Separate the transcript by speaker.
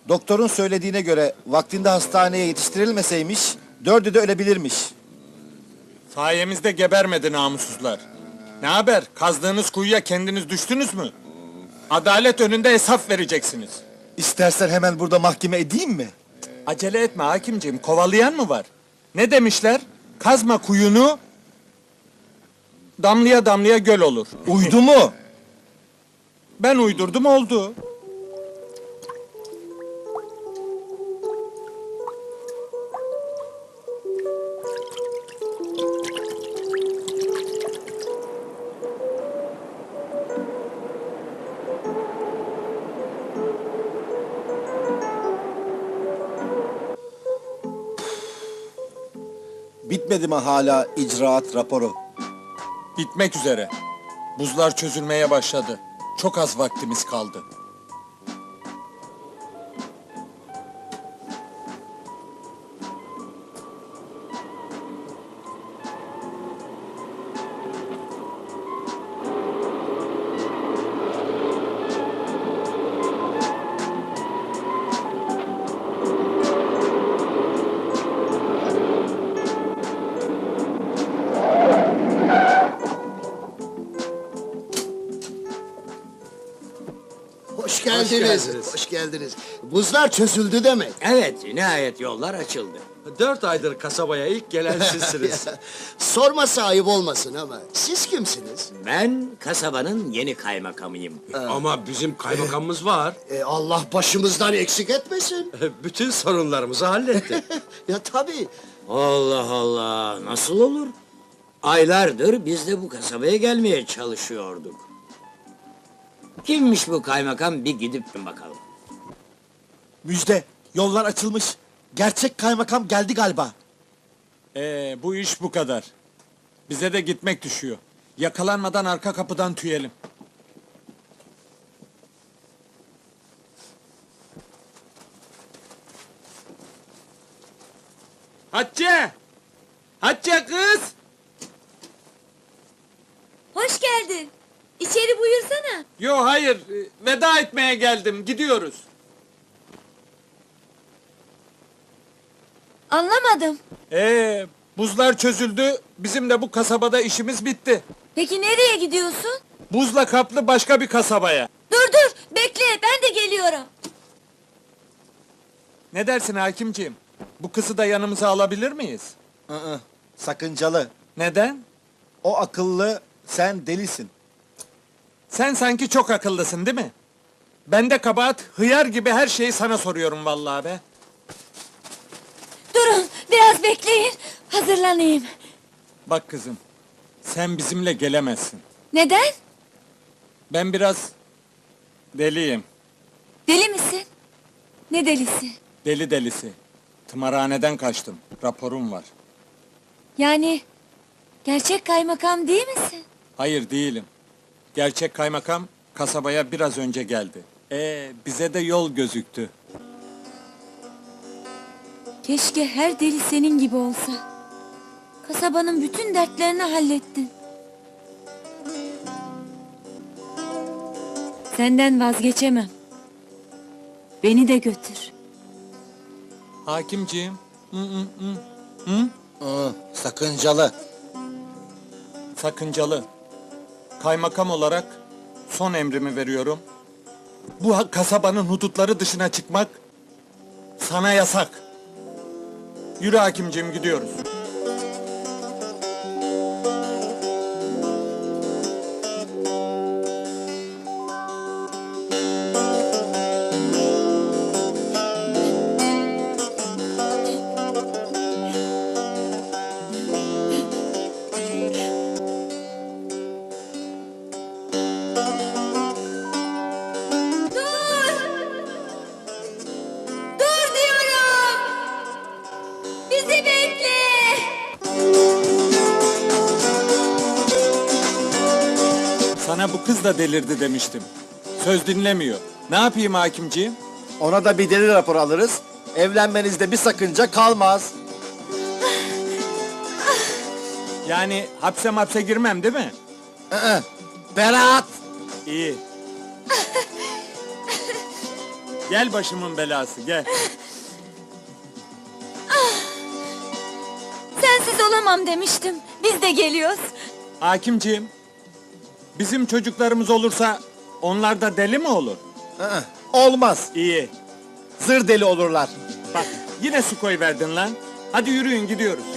Speaker 1: Doktorun söylediğine göre vaktinde hastaneye yetiştirilmeseymiş, dördü de ölebilirmiş.
Speaker 2: Sayemizde gebermedi namussuzlar. Ne haber? Kazdığınız kuyuya kendiniz düştünüz mü? Adalet önünde hesap vereceksiniz.
Speaker 1: İstersen hemen burada mahkeme edeyim mi?
Speaker 2: Acele etme hakimciğim, kovalayan mı var? Ne demişler? Kazma kuyunu, damlaya damlaya göl olur.
Speaker 1: Uydu mu?
Speaker 2: Ben uydurdum oldu.
Speaker 1: Bitmedi mi hala icraat raporu?
Speaker 2: Bitmek üzere. Buzlar çözülmeye başladı. Çok az vaktimiz kaldı.
Speaker 3: Hoş geldiniz. Hoş geldiniz. Buzlar çözüldü demek.
Speaker 4: Evet, nihayet yollar açıldı.
Speaker 5: 4 aydır kasabaya ilk gelen sizsiniz.
Speaker 3: Sorma sahip olmasın ama siz kimsiniz?
Speaker 4: Ben kasabanın yeni kaymakamıyım.
Speaker 5: Ama bizim kaymakamımız var.
Speaker 3: Allah başımızdan eksik etmesin.
Speaker 5: Bütün sorunlarımızı halletti.
Speaker 3: Ya tabii.
Speaker 4: Allah Allah, nasıl olur? Aylardır biz de bu kasabaya gelmeye çalışıyorduk. Kimmiş bu kaymakam, bir gidip bakalım.
Speaker 1: Müjde, yollar açılmış. Gerçek kaymakam geldi galiba.
Speaker 2: Bu iş bu kadar. Bize de gitmek düşüyor. Yakalanmadan arka kapıdan tüyelim. Hatice! Hatice kız!
Speaker 6: Hoş geldin. İçeri buyursana.
Speaker 2: Yo hayır, veda etmeye geldim, gidiyoruz.
Speaker 6: Anlamadım.
Speaker 2: Buzlar çözüldü, bizim de bu kasabada işimiz bitti.
Speaker 6: Peki nereye gidiyorsun?
Speaker 2: Buzla kaplı başka bir kasabaya.
Speaker 6: Dur dur, bekle, ben de geliyorum.
Speaker 2: Ne dersin hakimciğim? Bu kızı da yanımıza alabilir miyiz?
Speaker 1: Sakıncalı.
Speaker 2: Neden?
Speaker 1: O akıllı, sen delisin.
Speaker 2: Sen sanki çok akıllısın değil mi? Ben de kabahat, hıyar gibi her şeyi sana soruyorum vallahi be.
Speaker 6: Durun, biraz bekleyin. Hazırlanayım.
Speaker 2: Bak kızım, sen bizimle gelemezsin.
Speaker 6: Neden?
Speaker 2: Ben biraz deliyim,
Speaker 6: Deli misin? Ne delisi?
Speaker 2: deli delisi. Tımarhaneden kaçtım, raporum var.
Speaker 6: Yani gerçek kaymakam değil misin?
Speaker 2: Hayır değilim. Gerçek kaymakam kasabaya biraz önce geldi. Bize de yol gözüktü.
Speaker 6: Keşke her deli senin gibi olsa. Kasabanın bütün dertlerini hallettin. Senden vazgeçemem. Beni de götür.
Speaker 2: Hakimciğim,
Speaker 1: Sakıncalı.
Speaker 2: sakıncalı. Kaymakam olarak son emrimi veriyorum. Bu kasabanın hudutları dışına çıkmak sana yasak. Yürü hakimciğim, gidiyoruz.
Speaker 6: Dur diyorum! Bizi bekle!
Speaker 2: Sana bu kız da delirdi demiştim. Söz dinlemiyor. Ne yapayım hakimciğim?
Speaker 1: Ona da bir deli raporu alırız. Evlenmenizde bir sakınca kalmaz.
Speaker 2: Yani hapse girmem değil mi?
Speaker 1: Berat!
Speaker 2: İyi. Gel başımın belası gel.
Speaker 6: Sensiz olamam demiştim. Biz de geliyoruz.
Speaker 2: Hakimciğim, bizim çocuklarımız olursa onlar da deli mi olur?
Speaker 1: Olmaz.
Speaker 2: İyi.
Speaker 1: Zır deli olurlar.
Speaker 2: Bak yine su koyverdin lan. Hadi yürüyün gidiyoruz.